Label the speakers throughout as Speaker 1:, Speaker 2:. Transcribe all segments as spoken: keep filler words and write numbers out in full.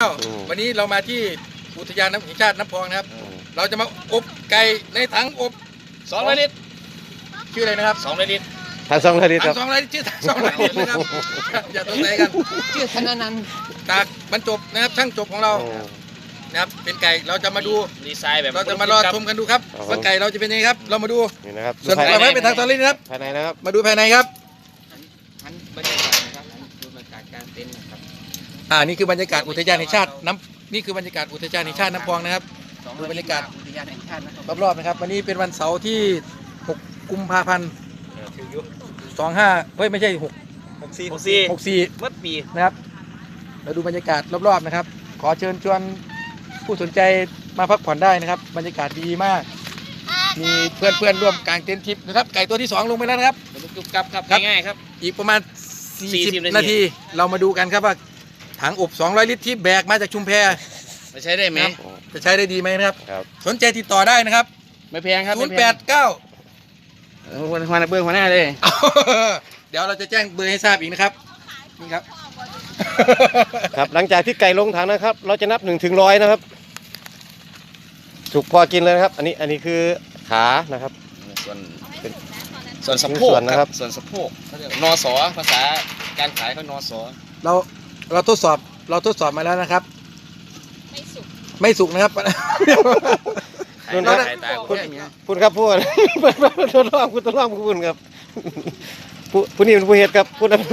Speaker 1: วันนี้เรามาที่อุทยานน้ำแห่งชาติน้ำพองนะครับเราจะมาอบไก่ในถังอบ
Speaker 2: สองร้อยลิตร
Speaker 1: ชื่ออะไรนะครับ
Speaker 2: สองร้อยลิตร
Speaker 3: ถังสองร้อยลิตรครับ
Speaker 1: ถังสองร้อยลิตรชื่อถังสองร้อยลิตรนะครับอย่าตกใจกัน
Speaker 4: ชื่อธนานันท์
Speaker 1: จากบรรจบนะครับช่างจบของเรานะครับเป็นไก่เราจะมาดู
Speaker 2: ดีไซน์แบบ
Speaker 1: เราจะมารอชมกันดูครับว่าไก่เราจะเป็นยังไงครับเรามาดู
Speaker 3: นี่นะครับ
Speaker 1: ส่วนต่อไปเป็นทางตอนนี้นะครับ
Speaker 3: ภายในนะครับ
Speaker 1: มาดูภายในครับ
Speaker 4: อันบรรยากาศนะครับอันดูบรรยากาศการเต้นนะครับ
Speaker 1: อ่านี่คือบรรยากาศอุทยานแห่งชาติน้ำนี่คือบรรยากาศอุทยานแห่งชาติน้ำพองนะครับดูบรรยากาศ
Speaker 4: อุทยานแห่งชาตินะครับ
Speaker 1: รอบๆนะครับวันนี้เป็นวันเสาร์ที่หกกุมภาพันธ์สองห้าเฮ้ยไม่ใช่หก
Speaker 2: หกสี่หกสี่
Speaker 1: หกสี่
Speaker 2: เมื่อปี
Speaker 1: นะครับเราดูบรรยากาศรอบๆนะครับขอเชิญชวนผู้สนใจมาพักผ่อนได้นะครับบรรยากาศดีมากมีเพื่อนๆร่วมกางเต็นท์ทริปนะครับไก่ตัวที่สองลงไปแล้วนะครับ
Speaker 2: จุกกับครับง่ายๆครับ
Speaker 1: อีกประมาณสี่สิบ
Speaker 2: นา
Speaker 1: นา
Speaker 2: ที
Speaker 1: ทีเรามาดูกันครับว่าถังอบสองร้อยลิตรที่แบกมาจากชุมแพ
Speaker 2: จะใช้ได้ไหม
Speaker 1: จะใช้ได้ดีไหมนะครับ
Speaker 3: ครับ
Speaker 1: สนใจติดต่อได้นะครับ
Speaker 2: ไม่แพงครับ
Speaker 1: ศูนย์แปดเก้า
Speaker 2: หัวหัวหน้าเบื้องหัวหน้าเลย
Speaker 1: เดี๋ยวเราจะแจ้งเบอร์ให้ทราบอีกนะครับนี่ครับ
Speaker 3: ครับหลังจากที่ไก่ลงถังนะครับ เราจะนับหนึ่งถึงร้อยนะครับถูกพอกินเลยนะครับอันนี้อันนี้คือขานะครับ
Speaker 2: ส่วนเป็นส่วนสะโพกนะครับส่วนสะโพกนอสอภาษาการขายเขานอสอ
Speaker 1: เราเราทดสอบเราทดสอบมาแล้วนะครับไม่สุกไม่สุกนะครับ
Speaker 3: คุณครับคุณครับพูดทดลองคุณทดลองคุณครับผู้ผู้นี้เป็นผู้เหตุครับพูดนะ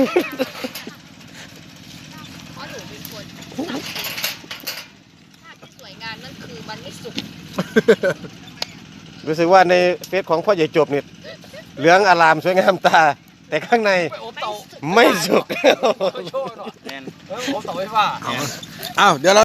Speaker 5: สวยงามนั่นคือมันไม่สุก
Speaker 3: รู้สึกว่าในเฟซของพ่อใหญ่จบเนี่ยเหลืองอลามสวยงามตาแต่ข้างในไม่สุก
Speaker 2: โชว์หน่อยแมนโอ้ต่อไฟฟ้า
Speaker 1: อ้าวเดี๋ยวเรา